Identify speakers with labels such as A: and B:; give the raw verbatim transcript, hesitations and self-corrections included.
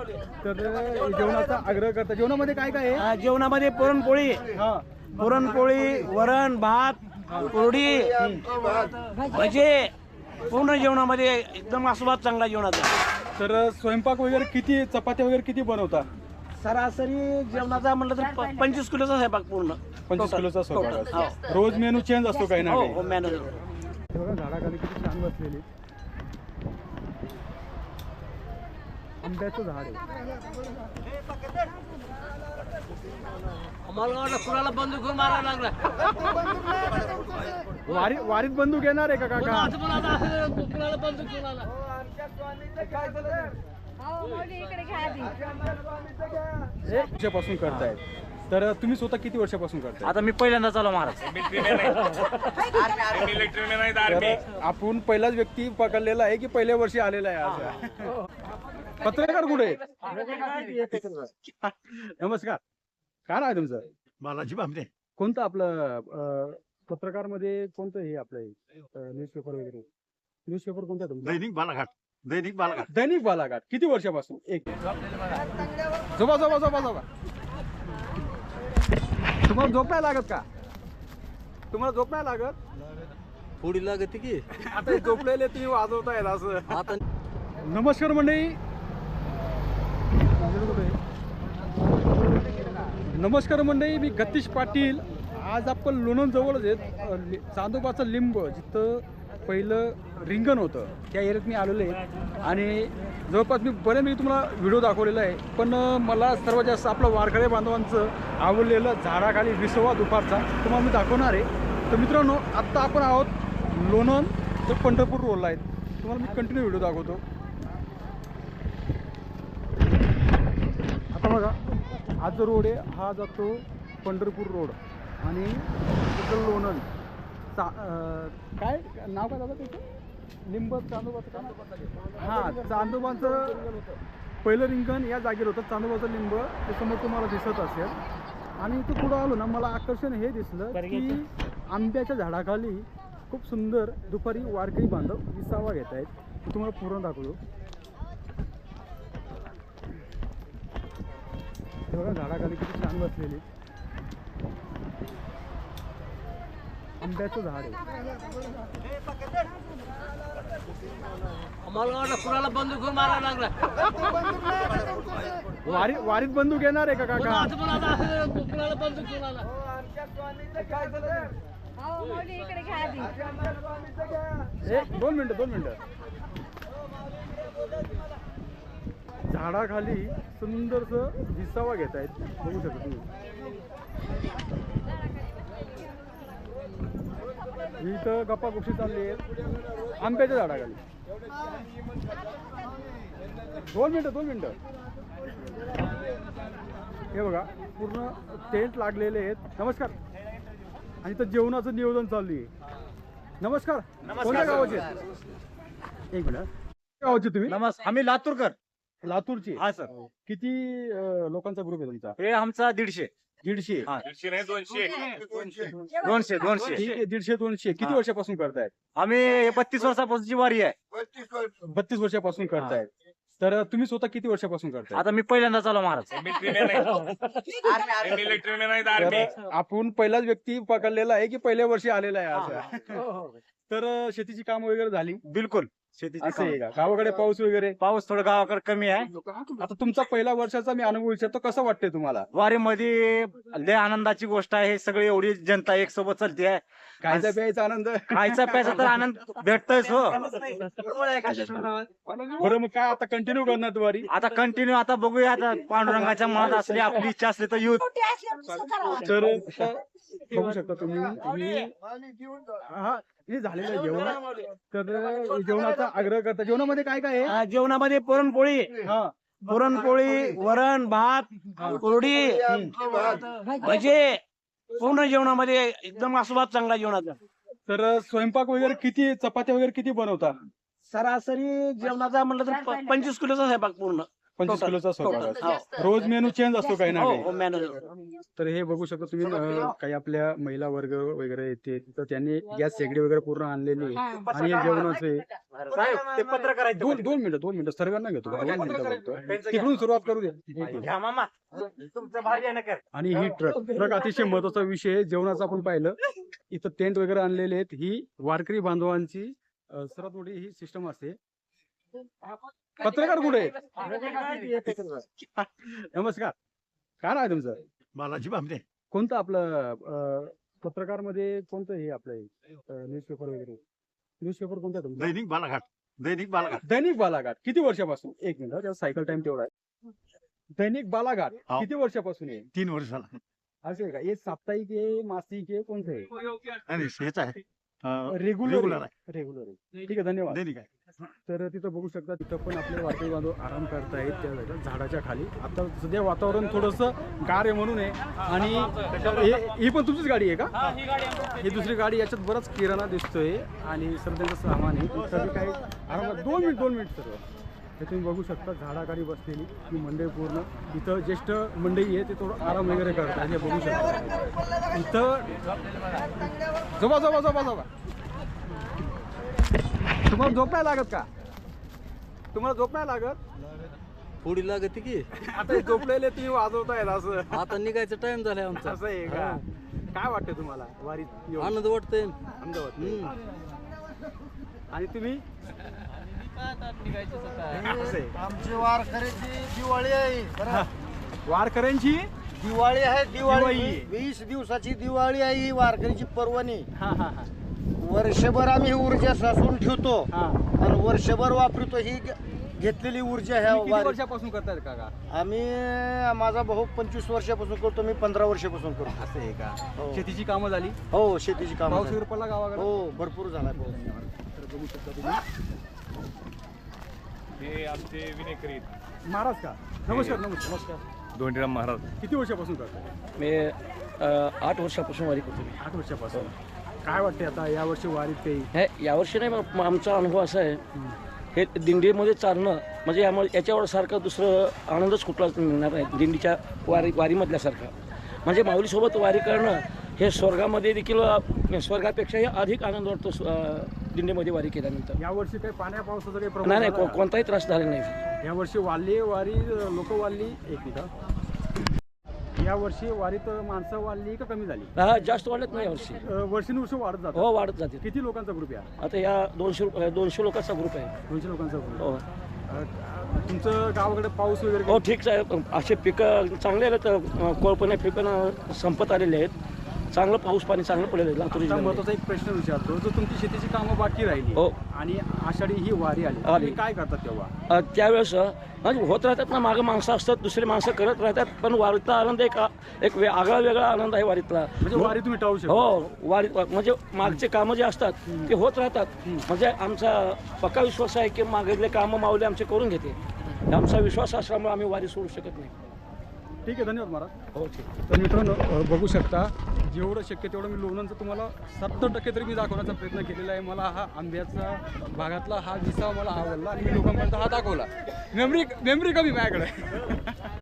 A: तर जेवणाचा आग्रह करता. जेवणामध्ये काय काय आहे?
B: अ, जेवणामध्ये पुरणपोळी
A: हा
B: पुरणपोळी वरण भात कोरडी भजे पूर्ण जेवणामध्ये एकदम आस्वाद चांगला जेवणाचा.
A: तर स्वयंपाक वगैरे किती, चपात्या वगैरे किती बनवता?
B: सरासरी जेवणाचा म्हटलं तर प- पंचवीस किलोचा स्वयंपाक पूर्ण.
A: पंचवीस
B: Total.
A: किलोचा स्वयंपाक
B: Total.
A: असतो. रोज मेनू चेंज असतो काही ना
B: हो
A: काही.
B: हो मॅनेजर.
A: हे बघा झाडाखाली किती छान बसलेली आंब्याचं झाड आहे.
B: आम्हाला वाटलं कुणाला बंदूक घेऊन मारायला लागला.
A: वारी वारीत बंदूक येणार आहे का काका?
B: कुणाला बंदूक घेऊन आला.
A: वर्षापासून करतायत. तर तुम्ही स्वतः किती वर्षापासून करताय?
B: आता मी पहिल्यांदा चालू महाराज.
A: तर आपण पहिलाच व्यक्ती पकडलेला आहे की पहिल्या वर्षी आलेला आहे असं? पत्रकार कुठे? नमस्कार, काय नाव आहे तुमचं?
C: बालाजी बामणे.
A: कोणतं आपलं पत्रकार मध्ये कोणतं हे आपलं न्यूजपेपर वगैरे? न्यूजपेपर कोणतं आहे तुमचं?
C: दैनिक बालाघाट. दैनिक बालाघाट.
A: दैनिक बालाघाट. किती वर्षापासून? एक झोपा झोपा झोपा झोपा. तुम्हाला झोप नाही लागत का? तुम्हाला झोप नाही लागत?
B: थोडी लागते की
A: आता हे झोपलेले तुम्ही वाजवतायत असं. आता नमस्कार मंडळी, नमस्कार मंडळी, मी गतीश पाटील. आज आपण लोणंद जवळच आहेत, चांदोबाचं लिंब जिथं पहिलं रिंगण होतं त्या एरियात मी आलेलो आहे. आणि जवळपास मी बऱ्यापैकी तुम्हाला व्हिडिओ दाखवलेला आहे. पण मला सर्वात जास्त आपलं वारकरी बांधवांचं आवडलेलं झाडाखाली विसवा दुपारचा तुम्हाला मी दाखवणार आहे. तर मित्रांनो, आत्ता आपण आहोत लोणंद तर पंढरपूर रोडला आहेत. तुम्हाला मी कंटिन्यू व्हिडिओ दाखवतो. आता बघा, हा जो रोड आहे हा जातो पंढरपूर रोड आणि तिथं लोणंद चा काय नाव काय दादा त्याचं? लिंब चांदोबाचं का? हां, चांदोबाचं पहिलं रिंगण या जागेवर होतं. चांदोबाचं लिंब ते समोर तुम्हाला दिसत असेल. आणि इथं पुढं आलो ना, मला आकर्षण हे दिसलं की आंब्याच्या झाडाखाली खूप सुंदर दुपारी वारकरी बांधव विसावा घेत आहेत. मी तुम्हाला पूर्ण दाखवतो. हे बघा झाडाखाली किती छान बसलेली आंब्याचं झाड आहे.
B: आम्हाला वाटलं कुणाला बंदूक घेऊन मारायला लागला.
A: वारी वारीत बंदूक येणार आहे का काका?
B: कुणाला बंदूक घेऊन आला.
A: एक दोन मिनिटं दोन मिनिटं झाडाखाली सुंदरस विसावा घेत आहेत, बघू शकता तुम्ही. इथं गप्पा गोष्टी चालली आहेत आंब्याच्या झाडाखाली. दोन मिनिटं दोन मिनिटं हे बघा पूर्ण टेंट लागलेले आहेत. नमस्कार. आणि इथं जेवणाचं नियोजन चालू आहे. नमस्कार. कोणत्या गावाचे? एक मिनिट. गावाचे तुम्ही?
B: नमस्कार, आम्ही लातूरकर.
A: लातूरची?
B: हा सर.
A: किती अं, लोकांचा ग्रुप आहे तुमचा?
B: हे आमचा दीडशे.
A: दीडशे.
B: दोनशे दोनशे.
A: ठीक आहे, दीडशे दोनशे. किती
B: हा.
A: वर्षापासून करतायत?
B: आम्ही बत्तीस वर्षापासूनची वारी आहे.
A: बत्तीस वर्षापासून करतायत. तर तुम्ही स्वतः किती वर्षापासून करताय?
B: आता मी पहिल्यांदा चालू महाराज.
A: तर आपण पहिलाच व्यक्ती पकडलेला आहे की पहिल्या वर्षी आलेला आहे असं? तर शेतीची काम वगैरे झाली?
B: बिलकुल. शेतीची
A: असं आहे का? गावाकडे पाऊस वगैरे?
B: पाऊस थोडं गावाकडे कमी आहे.
A: आता तुमचा पहिला वर्षाचा मी अनुभव विचारतो, कसं वाटतंय तुम्हाला?
B: वारीमध्ये लय आनंदाची गोष्ट आहे. सगळी एवढी जनता एक सोबत चालते आहे.
A: खायचा प्यायचा आनंद?
B: खायचा प्यायचा तर आनंद भेटतोयच हो.
A: बरं, मग काय आता कंटिन्यू करणार वारी?
B: आता कंटिन्यू आता बघूया. आता पांडुरंगाच्या मनात असली आपली इच्छा असली तर येऊ.
A: तर बघू शकता तुम्ही. हा, हे झालेलं आहे जेवण. तर जेवणाचा आग्रह करता. जेवणामध्ये काय काय आहे?
B: अ, जेवणामध्ये पुरणपोळी
A: हा
B: पुरणपोळी वरण भात कोरडी भजे पूर्ण जेवणामध्ये एकदम आस्वाद चांगला जेवणाचा.
A: तर स्वयंपाक वगैरे किती, चपात्या वगैरे किती बनवता?
B: सरासरी जेवणाचा म्हटलं तर प- पंचवीस किलोचा स्वयंपाक पूर्ण.
A: पंचवीस
D: Total.
A: किलोचा स्वयंपाक
D: Total.
A: असतो. रोज मेनू चेंज असतो काही ना
D: हो
A: काही.
D: हो मॅन्युअल
A: तर हे बघू शकता तुम्ही अं, काही आपल्या महिला वर्ग वगैरे येते तर त्यांनी गॅस शेगडी वगैरे पूर्ण आणलेली आहे. आणि हे जेवणाचे
B: साहेब ते पत्रकार आहेत
A: दोन दोन मिनिटं दोन मिनिटं सर्वांना घेतो दोन मिनिटं बघतो तिकडून सुरुवात करू द्या.
B: घ्या मामा तुमचं भारी आहे ना कर
A: आणि ही ट्रक ट्रक अतिशय महत्वाचा विषय आहे. जेवणाचं आपण पाहिलं इथं टेंट वगैरे आणलेले आहेत. ही वारकरी बांधवांची अं, सर्वात मोठी ही सिस्टम असते. पत्रकार कुठे आहेत? नमस्कार, काय नाव आहे तुमचं?
C: बालाजी भामरे
A: कोणतं आपलं पत्रकार मध्ये कोणतं हे आपलं न्यूजपेपर वगैरे न्यूजपेपर कोणतं आहे तुमचं?
C: दैनिक बालाघाट दैनिक बालाघाट
A: दैनिक बालाघाट किती वर्षापासून? एक मिनिट त्याचा सायकल टाइम तेवढा आहे. दैनिक बालाघाट
C: हो.
A: किती वर्षापासून आहे?
C: तीन वर्षाला
A: असं आहे का? हे साप्ताहिक आहे मासिक आहे कोणतं आहे?
C: आणि हेच आहे अं,
A: रेग्युलर
C: रेग्युलर आहे
A: रेग्युलर आहे. ठीक आहे, धन्यवाद.
C: दैनिक आहे.
A: तर तिथं बघू शकता तिथं पण आपले वारकरी बांधव आराम करतायत त्या जागेवर, झाडाच्या खाली. आता सध्या वातावरण थोडंसं गार आहे म्हणून आहे. आणि हे- ही पण तुमचीच गाडी आहे का? ही दुसरी गाडी, याच्यात बराच किराणा दिसतोय आणि सर त्यांचं सामान आहे. इथं बी काही आरामात दोन मिनिट दोन मिनिट सर्व हे तुम्ही बघू शकता. झाडाखाली बसलेली ही मंडळी पूर्ण. इथं ज्येष्ठ मंडळी आहे ते थोडं आराम वगैरे करतात हे बघू शकता. इथं झोपा झोपा झोपा झोपा. तुम्हाला झोप नाही लागत का? तुम्हाला झोप नाही लागत?
D: पुढी लागते की
A: आता हे झोपलेले तुम्ही वाजवतायत असं
D: आता निघायचा टाइम झालाय आमचा.
A: असं आहे का? काय वाटतं तुम्हाला वारीत येऊन?
D: आनंद वाटतोय.
A: आनंद वाटतोय. आणि तुम्ही असं आहे.
E: आमची वारकऱ्याची दिवाळी आहे बरं.
A: वारकऱ्यांची
E: दिवाळी आहे
A: दिवाळी.
E: दिवाळी वीस दिवसाची दिवाळी आहे ही वारकऱ्याची पर्वणी.
A: हा हा हा
E: वर्षभर आम्ही ही ऊर्जा साचवून ठेवतो
A: हा.
E: आणि वर्षभर वापरतो. ही घ- घेतलेली ऊर्जा ह्या
A: तुम्ही किती
E: वारी
A: वर्षापासून करतायत काका?
E: आम्ही माझा भाऊ पंचवीस वर्षापासून करतो, मी पंधरा वर्षापासून करतो.
A: असं आहे का?
E: हो.
A: शेतीची कामं झाली?
E: हो शेतीची काम
A: पाऊस वगैरे पडला गावाकडे?
E: हो भरपूर झाला पाऊस.
A: तर बघू शकता तुम्ही.
F: हे आमचे विनेकरी
A: महाराज का? नमस्कार नमस्कार नमस्कार.
F: दोंडीराम महाराज.
A: किती वर्षापासून करताय?
D: मी अं, आठ वर्षापासून वारी करतो मी.
A: आठ वर्षापासून. काय वाटते आता या वर्षी वारीत काही?
D: हे यावर्षी नाही, मग आमचा अनुभव असा आहे, हे दिंडीमध्ये चालणं म्हणजे यामुळे याच्यावर सारखं दुसरं आनंदच कुठलाच मिळणार नाही दिंडीच्या वारी वारीमधल्यासारखा. म्हणजे माऊलीसोबत वारी करणं हे स्वर्गामध्ये देखील अं, स्वर्गापेक्षाही अधिक आनंद वाटतो स्व- अं, दिंडीमध्ये वारी केल्यानंतर.
A: या वर्षी काही पाण्या पावसाचा काही प्रभाव
D: नाही नाही
A: झाला
D: को-
A: का?
D: कोणताही त्रास झाला नाही.
A: या वर्षी वाढली वारी लोक वाढली एक मिनिट. या वर्षी वारीत माणसं वाढली का कमी झाली?
D: हा जास्त वाढत नाही यावर्षी.
A: अ, वर्षानुवर्ष वाढत जातं.
D: हो वाढत जाते.
A: किती लोकांचा ग्रुप आहे?
D: आता या दोनशे रुप- दोनशे लोकांचा ग्रुप आहे.
A: दोनशे लोकांचा ग्रुप.
D: हो
A: तुमचं गावाकडे पाऊस वगैरे
D: हो ठीक आहे. असे पिकं चांगले आले तर कोळपणे पिकं संपत आलेले आहेत. चांगलं पाऊस पाणी चांगलं पडलेलं आहे लातूर
A: आता
D: जिल्ह्यामध्ये.
A: महत्वाचा एक प्रश्न विचारतो. जर तुमची शेतीची कामं बाकी राहिली
D: हो.
A: आणि आषाढी ही वारी आली
D: आली.
A: तुम्ही काय करतात तेव्हा?
D: अ, त्यावेळेस अ, म्हणजे होत राहतात ना, मागं माणसं असतात, दुसरी माणसं करत राहतात, पण वारीतला आनंद एक आ- एक वे- आगळा वेगळा आनंद आहे वारीतला.
A: म्हणजे वारी तुम्ही टाळू शकता?
D: हो वारी म्हणजे मागचे कामं जे असतात ते होत राहतात. म्हणजे आमचा पक्का विश्वास आहे की मागले कामं माऊली आमचे करून घेते. आमचा विश्वास असल्यामुळे आम्ही वारी सोडू शकत नाही.
A: ठीक आहे, धन्यवाद महाराज.
D: हो ठीक.
A: तर मित्रांनो अ, बघू शकता जेवढं शक्य तेवढं मी लोणंदचं तुम्हाला सत्तर टक्के तरी मी दाखवण्याचा प्रयत्न केलेला आहे. मला हा आंब्याचा भागातला हा विसावा मला आवडला आणि मी लोकांपर्यंत हा दाखवला. मेमरी मेमरी कमी माझ्याकडे.